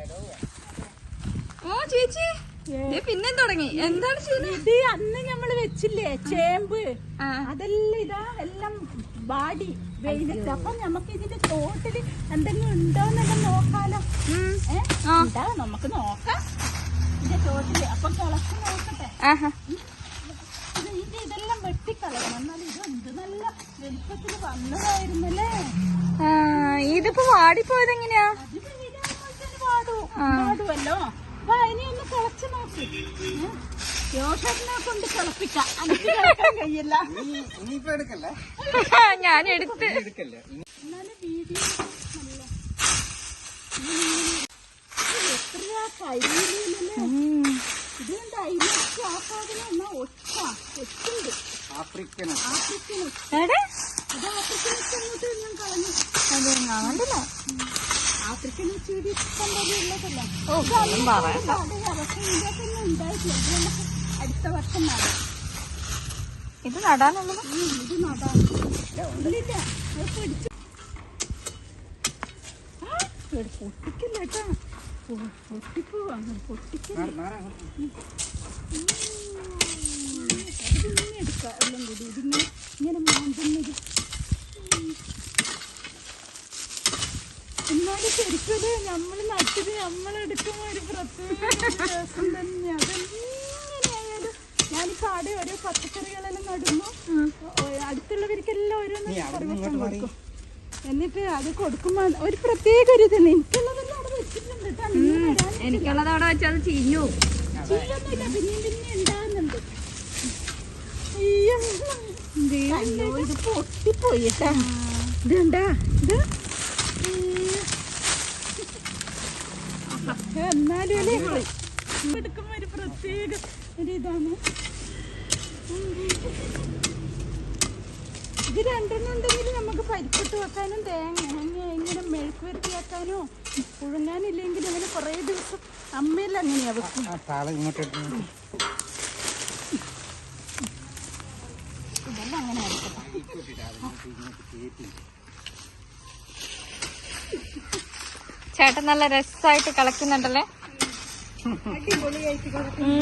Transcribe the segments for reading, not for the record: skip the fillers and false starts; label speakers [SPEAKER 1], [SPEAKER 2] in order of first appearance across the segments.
[SPEAKER 1] ഓ ചേച്ചി പിന്നെ തുടങ്ങി. എന്താണ്
[SPEAKER 2] ഇത് അന്ന് ഞമ്മള് വെച്ചില്ലേ ചേമ്പ്, അതെല്ലാം ഇതാ എല്ലാം വാടി വെയിലത്ത്. അപ്പൊ നമുക്ക് ഇതിന്റെ തോട്ടില് എന്തെങ്കിലും ഉണ്ടോന്നെല്ലാം നോക്കാലോ. നമുക്ക് നോക്കാം ഇതിന്റെ തോട്ടില്. അപ്പൊ കിളച്ച് നോക്കട്ടെ. ഇതെല്ലാം വെട്ടിക്കളയണം. എന്നാലും ഇത് എന്ത് നല്ല വലിപ്പത്തില് വന്നതായിരുന്നല്ലേ.
[SPEAKER 1] ഇതിപ്പോ വാടിപ്പോയത് എങ്ങനെയാ?
[SPEAKER 2] പാടുമല്ലോ. ഇനി ഒന്ന് കിളച്ച് നോക്കി. യോഷനെ കൊണ്ട് കിളപ്പിക്കാം. എനിക്ക് കിളക്കാൻ കഴിയില്ല.
[SPEAKER 1] ഞാൻ എടുത്ത്
[SPEAKER 2] എന്നാലും വീഡിയോ എത്ര കരിയിലല്ലേ. ഇതുകൊണ്ട് അതിലേക്ക് ആ സാധനം എന്നാ ഒച്ചുണ്ട്. ആഫ്രിക്കൻ അത് ആഫ്രിക്കൻ അങ്ങോട്ട് ഞാൻ കളഞ്ഞു.
[SPEAKER 1] കണ്ടില്ല.
[SPEAKER 2] ആഫ്രിക്കൻ ചെടി ഇഷ്ടം പോലെ ഉള്ളതല്ല. ഉണ്ടായിട്ടില്ല. അടുത്ത വർഷം നടാം.
[SPEAKER 1] ഇത് നടാനുള്ളത്.
[SPEAKER 2] ഇത് നടാൻ ഇല്ലില്ല. പിടിച്ചു പൊട്ടിക്കില്ല കേട്ടാ. പൊട്ടിപ്പോവാ. പൊട്ടിക്കില്ല. അതിങ്ങനെ എടുക്കാം. എല്ലാം കൂടി ഇതിങ്ങനെ ഇങ്ങനെ മാന്തുന്നത്. എന്നാലും ശരിക്കും നമ്മള് നട്ടത് നമ്മളെടുക്കുമ്പോ ഒരു പ്രത്യേക രസം തന്നെ. അതെങ്ങനെയായാലും ഞാനിപ്പോ ആടെ ഓരോ പച്ചക്കറികളെല്ലാം നടുന്നു. അടുത്തുള്ളവർക്കെല്ലാം ഓരോന്നും കൊടുക്കും. എന്നിട്ട് അത് കൊടുക്കുമ്പോ ഒരു പ്രത്യേക ഒരു ഇതാണ്. എനിക്കുള്ളതെല്ലാം അവിടെ വെച്ചിട്ടുണ്ട്.
[SPEAKER 1] എനിക്കുള്ളത് അവിടെ വെച്ചാൽ അത് ചീഞ്ഞു.
[SPEAKER 2] ചീഞ്ഞൊന്നുമില്ല. പിന്നെയും ഉണ്ടാകുന്നുണ്ട്. അയ്യോ ഇത് പൊട്ടിപ്പോയി കേട്ടാ. ഇതുണ്ടാ ഇത്. എന്നാലും എടുക്കുമ്പോ ഒരു പ്രത്യേക ഒരു ഇതാണ്. ഇത് രണ്ടെണ്ണം ഉണ്ടെങ്കിൽ നമുക്ക് പരിപ്പിട്ട് വെക്കാനും തേങ്ങ ഇങ്ങനെ മെഴുക്ക് വരട്ടി വെക്കാനോ പുഴുങ്ങാനില്ലെങ്കിൽ അങ്ങനെ കുറേ ദിവസം അമ്മയെല്ലാം അങ്ങനെയാ വെക്കും. ഇതെല്ലാം അങ്ങനെ ആയിരിക്കും.
[SPEAKER 1] ചേട്ടൻ നല്ല രസമായിട്ട് കളിക്കുന്നുണ്ടല്ലേ.
[SPEAKER 2] അടിപൊളിയായിട്ട്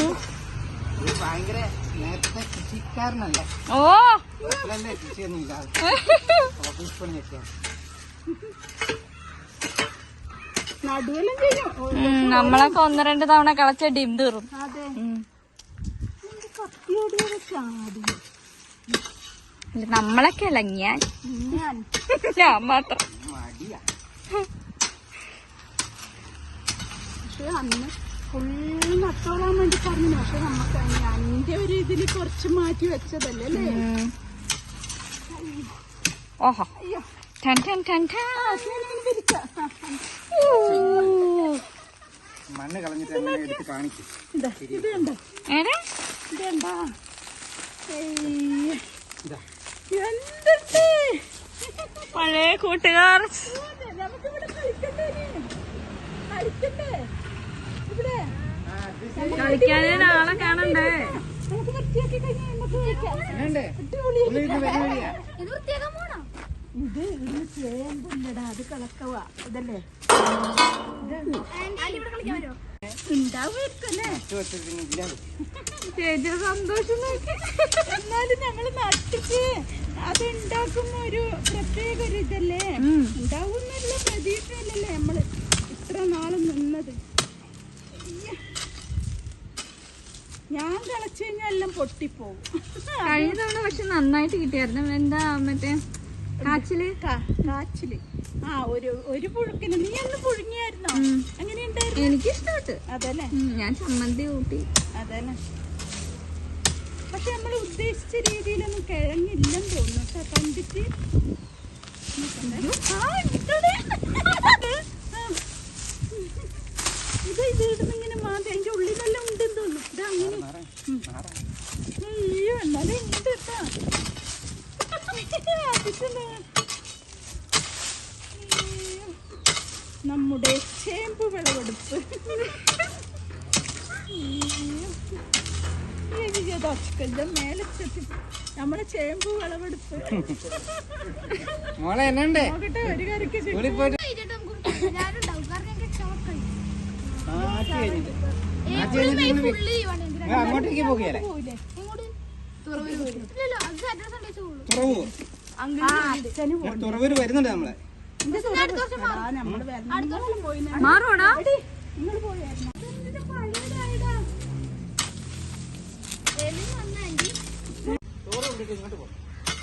[SPEAKER 1] ഓ
[SPEAKER 2] നടുവെല്ലാം ചെയ്യും.
[SPEAKER 1] നമ്മളൊക്കെ 1-2 തവണ കളച്ച ഡിം തീറും.
[SPEAKER 2] അതെ. കത്തിയോട് ചാടി.
[SPEAKER 1] നമ്മളൊക്കെ അല്ല ഞാൻ മാത്രം.
[SPEAKER 2] പക്ഷെ അന്ന് ഫുള്ള് നട്ടോളാൻ വേണ്ടി പറഞ്ഞു. പക്ഷെ നമുക്ക് എന്റെ ഒരു ഇതില് കുറച്ച് മാറ്റി വെച്ചതല്ലേ അല്ലേ.
[SPEAKER 1] ഓഹോ
[SPEAKER 3] മണ്ണ് കളഞ്ഞിട്ട് എടുത്ത് കാണിക്കും.
[SPEAKER 2] ഇതുണ്ടോ ഇതെന്താ എന്തുണ്ട്
[SPEAKER 1] പഴയ കൂട്ടുകാർ.
[SPEAKER 2] നമുക്കിവിടെ കളിക്കണ്ടേ കളിക്കണ്ടേ. ഇവിടെ
[SPEAKER 1] കളിക്കാനാളെ കാണണ്ടേ.
[SPEAKER 2] നമുക്ക് വൃത്തിയാക്കി കഴിഞ്ഞാൽ നമുക്ക് ഇത് ഇതിന് ചേമ്പുണ്ടടാ. അത് കളക്കവാ. ഇതല്ലേ ഉണ്ടാവുമായിരിക്കല്ലേ.
[SPEAKER 1] ചേച്ചി സന്തോഷം നോക്കി.
[SPEAKER 2] എന്നാലും ഞങ്ങള് നട്ടിട്ട് അത് ഉണ്ടാക്കുമ്പോ ഒരു പ്രത്യേക ഒരു ഇതല്ലേ. ഉണ്ടാവുന്നുള്ള പ്രതീക്ഷയല്ലല്ലേ നമ്മള് ഇത്ര നാള് നിന്നത്. ഞാൻ കളച്ചു കഴിഞ്ഞാൽ എല്ലാം പൊട്ടിപ്പോവും.
[SPEAKER 1] കഴിഞ്ഞ തവണ പക്ഷെ നന്നായിട്ട് കിട്ടിയായിരുന്നു. എന്താ മറ്റേ കാച്ചില്.
[SPEAKER 2] ആ ഒരു പുഴുക്കിന് നീ അന്ന് പുഴുങ്ങിയായിരുന്നോ? എങ്ങനെയുണ്ടായിരുന്നു?
[SPEAKER 1] എനിക്കിഷ്ടപ്പെട്ടു.
[SPEAKER 2] അതല്ലേ.
[SPEAKER 1] ഞാൻ ചമ്മന്തി കൂട്ടി.
[SPEAKER 2] അതല്ലേ. പക്ഷെ നമ്മൾ ഉദ്ദേശിച്ച രീതിയിലൊന്നും കിഴങ്ങില്ലെന്ന് തോന്നുന്നു കണ്ടിട്ട്. ഇത് ഇടുന്നിങ്ങനെ മാതി അതിന്റെ ഉള്ളിലെല്ലാം ഉണ്ടെന്ന് തോന്നുന്നു. ഇതങ്ങനെ അയ്യോ എന്നാലും ഉണ്ട് കേട്ടാ. നമ്മുടെ ചേമ്പ് വിളവെടുപ്പ്. മേലെ നമ്മളെ ചേമ്പ് വിളവെടുപ്പ്
[SPEAKER 3] മോളെ എന്നുണ്ട്
[SPEAKER 2] നോക്കട്ടെ. ഒരു കറിക്ക്
[SPEAKER 3] കഴിഞ്ഞിട്ട് അങ്ങോട്ടേക്ക് പോകുകയല്ലേ തുറവൂര് വരുന്നുണ്ട് നമ്മളെ.
[SPEAKER 1] മാറോടാ
[SPEAKER 3] ചോറ് കൊണ്ടിട്ട് ഇങ്ങോട്ട് പോകും.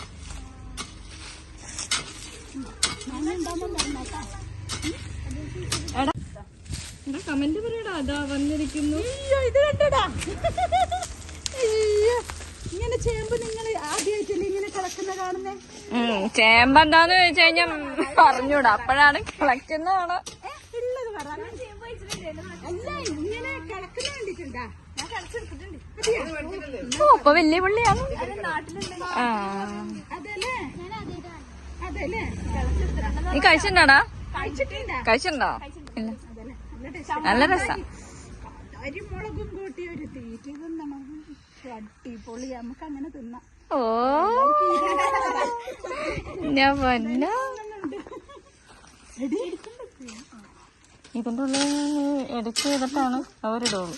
[SPEAKER 1] കമന്റ് പറയടാ. അതാ വന്നിരിക്കുന്നു.
[SPEAKER 2] ഇത് കണ്ടടാ. അയ്യോ, ഇങ്ങനെ ചേമ്പ് നിങ്ങൾ ആദ്യമായിട്ടല്ലേ ഇങ്ങനെ കിടക്കുന്ന കാണുന്നേ?
[SPEAKER 1] ചേമ്പെന്താന്ന് ചോദിച്ചു കഴിഞ്ഞാ പറഞ്ഞൂടാ. അപ്പോഴാണ് കളക്റ്റുന്നതാണ്.
[SPEAKER 2] ഉള്ളത് പറ. അല്ല, ഇങ്ങനെ കിടക്കുന്ന കണ്ടിട്ടുണ്ടാ? ഞാൻ കളിച്ചെടുത്തിട്ടുണ്ട്.
[SPEAKER 1] ഓ അപ്പൊ വലിയ പുള്ളിയാണ്. ആ
[SPEAKER 2] അതല്ലേ അതല്ലേ
[SPEAKER 1] നീ കഴിച്ചിട്ടുണ്ടാടാ?
[SPEAKER 2] കഴിച്ചിട്ടുണ്ടാ?
[SPEAKER 1] കഴിച്ചിട്ടുണ്ടോ? ഇല്ല. നല്ല രസാ.
[SPEAKER 2] അരിമുളകും കൂട്ടി ഒരു തീറ്റ തിന്നണം. അടിപൊളി. നമുക്ക് അങ്ങനെ തിന്നാം.
[SPEAKER 1] ഓ ഞാൻ പൊന്ന ഇതിന്റെ ഉള്ളിൽ എടുത്ത് ചെയ്തിട്ടാണ് അവരിടുള്ളൂ.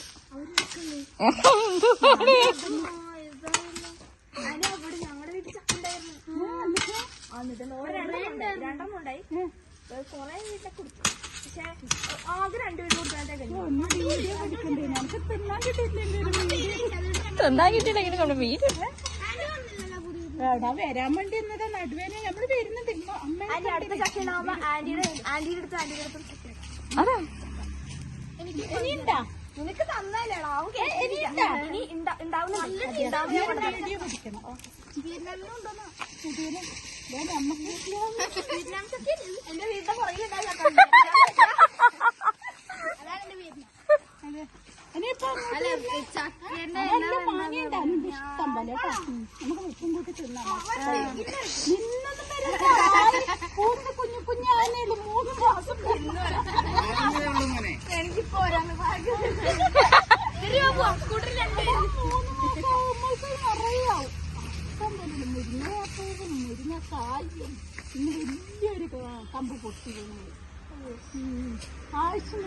[SPEAKER 1] തിന്നാൻ കിട്ടിയില്ലെങ്കിൽ കൊണ്ട് വീട്
[SPEAKER 2] എടാ വരാൻ വേണ്ടി എന്നതാ നടുവേന നമ്മള് വരുന്നുണ്ട്.
[SPEAKER 1] അതെ
[SPEAKER 2] ഇനിയുണ്ടാ?
[SPEAKER 4] നിനക്ക് തന്നാലേടാ
[SPEAKER 2] വീഡിയോ പിടിക്കണം.
[SPEAKER 4] എന്റെ വീടിന്റെ പുറകിലുണ്ടാകും.
[SPEAKER 2] ഇനിയിപ്പോ മാങ്ങയുണ്ടാകും ഇഷ്ടം പോലെ കേട്ടോ. നമുക്ക് ഉപ്പും കൂട്ടി തിന്നാം. നിന്നൊന്നും വരില്ല. കൂടുതൽ കുഞ്ഞു കുഞ്ഞാനേലും 3 മാസം
[SPEAKER 4] എനിക്ക് പോരാന്ന്
[SPEAKER 2] അറിയാവും. ഇഷ്ടം പോലെ മുരിങ്ങാപ്പൂവും മുരിങ്ങക്കായും ഇന്ന് വലിയൊരു കമ്പ് പൊട്ടി ആവശ്യം.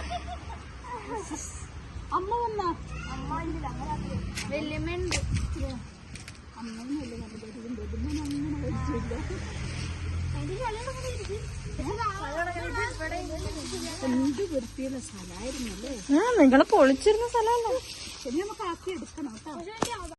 [SPEAKER 2] അമ്മ വന്നാ?
[SPEAKER 4] വല്യമ്മയുണ്ട്.
[SPEAKER 2] അമ്മയൊന്നുമില്ല. അങ്ങനെ വെച്ചില്ല. എന്ത് വൃത്തിയുള്ള സ്ഥലമായിരുന്നല്ലേ.
[SPEAKER 1] നിങ്ങള് പൊളിച്ചിരുന്ന സ്ഥലമല്ല.
[SPEAKER 2] ശരി, നമുക്ക് ആക്കി എടുക്കണം കേട്ടോ.